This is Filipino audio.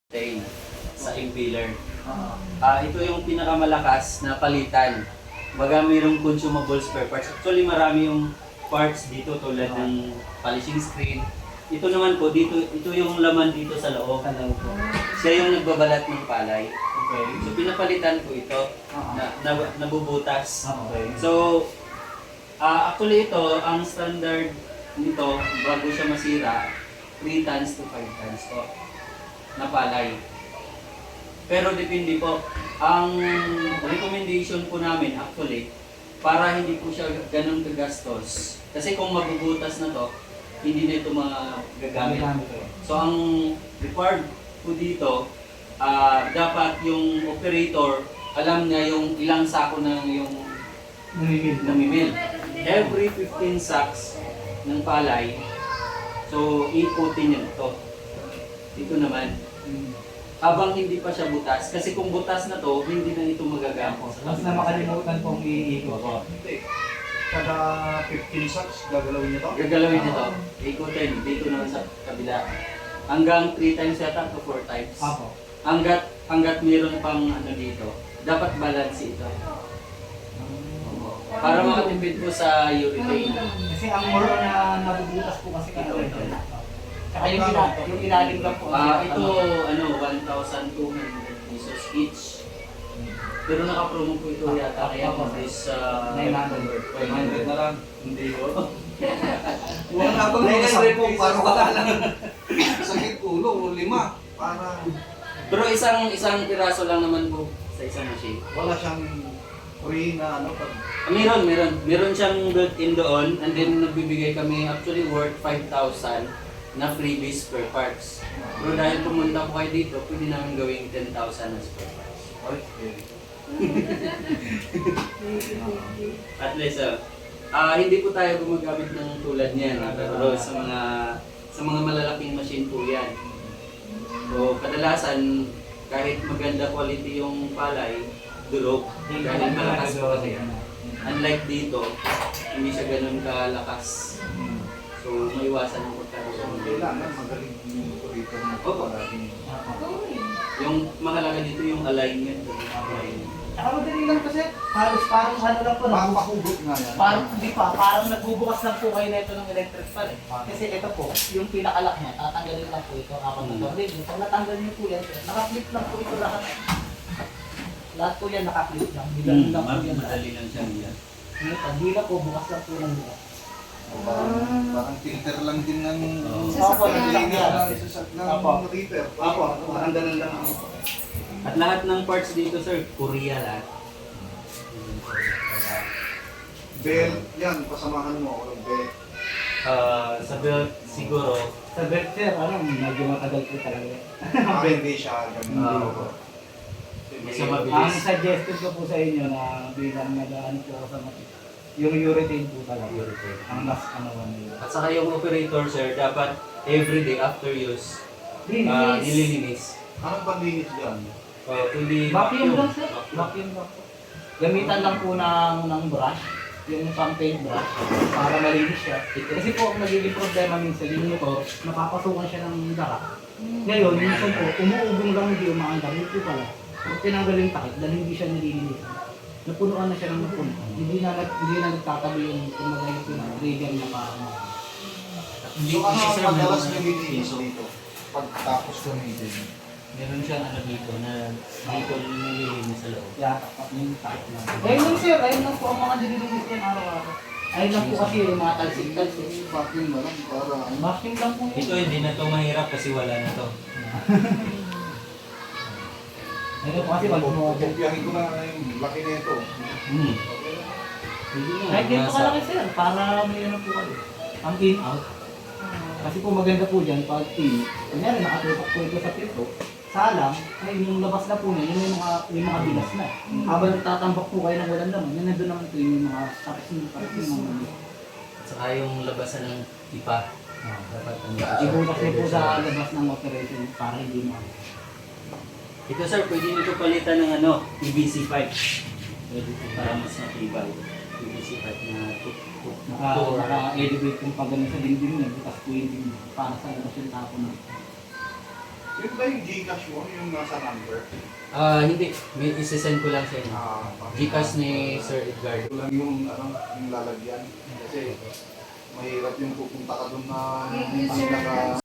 Tain sa impeller. Ito yung pinakamalakas na palitan. Baga mayroong consumable spare parts. Actually marami yung parts dito tulad ng polishing screen. Ito naman po, ito yung laman dito sa loob. Siya yung nagbabalat ng palay. Okay. So pinapalitan ko ito na nabubutas. Okay. So actually ito, ang standard nito bago siya masira, 3 tons to 5 tons po na palay. Pero depende po. Ang recommendation po namin actually, para hindi po siya ganun kagastos. Kasi kung mabubutas na to, hindi na ito magagamit. So ang required po dito, dapat yung operator, alam niya yung ilang sako na yung namimil. Every 15 sacks ng palay, so ikutin niya ito. Ito naman. Habang hindi pa siya butas. Kasi kung butas na to, hindi na ito magagamit. Mas na makalimutan pong iikot. Hindi. Kada 15 sacks, gagalawin niyo to? Gagalawin nito. Ikutin. Dito naman sa kabila. Hanggang 3 times yata to 4 times. Apo. Hanggat meron pang ano dito, dapat balance ito. Para makatipid po sa urethane. Kasi ang more na nabubutas po kasi ito. Saka yung ilalim lang po. Ito, 1,200 pesos each. Pero naka-promo po ito yata kaya is 900 na lang. Hindi po. Wala akong mga 10 para wala lang. Sakit ulo, 5. Para Pero isang piraso lang naman po sa isang machine. wala siyang free na pag Meron siyang built-in doon and then nagbibigay kami actually worth 5,000 na freebies per parts. Pero dahil pumunta po kayo dito, pwede namin gawing 10,000 na spare parts. Ay, very At least, hindi po tayo gumagamit ng tulad niyan. Pero sa mga malalaking machine po yan. So, kadalasan, kahit maganda quality yung palay, durog. Dahil malakas po kasi yan. Unlike dito, hindi siya ganun kalakas. So, maiwasan ang pagkakaroon. kailangan magaling yung operator na ito. Palaging Yung mahalaga dito yung alignment. Saka madali lang kasi, parang ano lang po. papakugot nga yan. Parang nagbubukas lang po kayo na ito ng electric fan eh. Kasi ito po, yung pinakalock niya, tatanggalin lang po ito apat na tornilyo. Pag natanggal niyo po yan, nakaflip lang po ito lahat. Lahat po yan nakaflip lang. Bilang lang po yan. Madali lang siya niya. Hindi lang po, bukas lang po ng bukas. Parang filter lang din ng Opo, ng reaper. Parang ganun lang. At lahat ng parts dito, sir, Korea lahat. Belt, yan, pasamahan mo ako ng belt. Sa belt, siguro, Sa belt sir, medyo matagal po talaga. Hindi siya ganun. Basta Ang mabilis. suggested ko po sa inyo na bilang nag-ano po ako sa yung urethane po talaga. Urethane. Ang mas nila. At saka yung operator, sir, dapat everyday after use, nililinis. Anong panlinis dyan? Pwede Vacuum lang sir. Vacuum lang po. Gamitan lang po ng brush, yung paint brush, para malinis siya. Kasi po, ang nagiging problema minsan, yung motor, napapasukan siya ng dara. Ngayon, minsan po, umuubong lang hindi umaandar. Yun po pala. Pag tinanggal yung takip, dahil hindi siya nililinis. Napunuan na siya ng napuno. Hindi na nagtatabi yung trigger niya parang So ano ang madalas nililinis dito? Pagkatapos gamitin. Meron siyang ano dito na dito nililinis sa loob. yatak yung takip lang. Ayun lang sir, ayun lang po ang mga nililinis yan araw-araw. Ayun lang po kasi yung mga talsik-talsik. Vacuum na lang para Bashing lang po Ito yun. hindi na to mahirap kasi wala na to. Ayun po kasi pag Pagpupiyahin ko na yung laki na ito. Pwede na. kahit dito Nasa- kalaki sir, para may ano po kayo. Ang in-out. Kasi po maganda po dyan pag kunyari nakatutok po ito sa pinto, salang, ay yung labas na po niya, yun yung mga bilas na. Habang nagtatambak po kayo ng walang laman, yun nandun naman po yung mga tapos yung mga At saka yung labasan ng ipa. Dapat ibutas niyo po sa labas ng operation para hindi mo. Ito sir, pwede nito palitan ng PVC pipe. Pwede ito para mas matibay. PVC pipe na Naka-elevate yung pag sa dingding niya, bukas po yung dingding para sa labas yung tapo na. Yun ba yung Gcash mo, yung nasa number? Hindi. May isesend ko lang sa inyo. Gcash ni Sir Edgardo. Ito lang yung, yung lalagyan. Kasi mahirap yung pupunta ka doon na hindi naka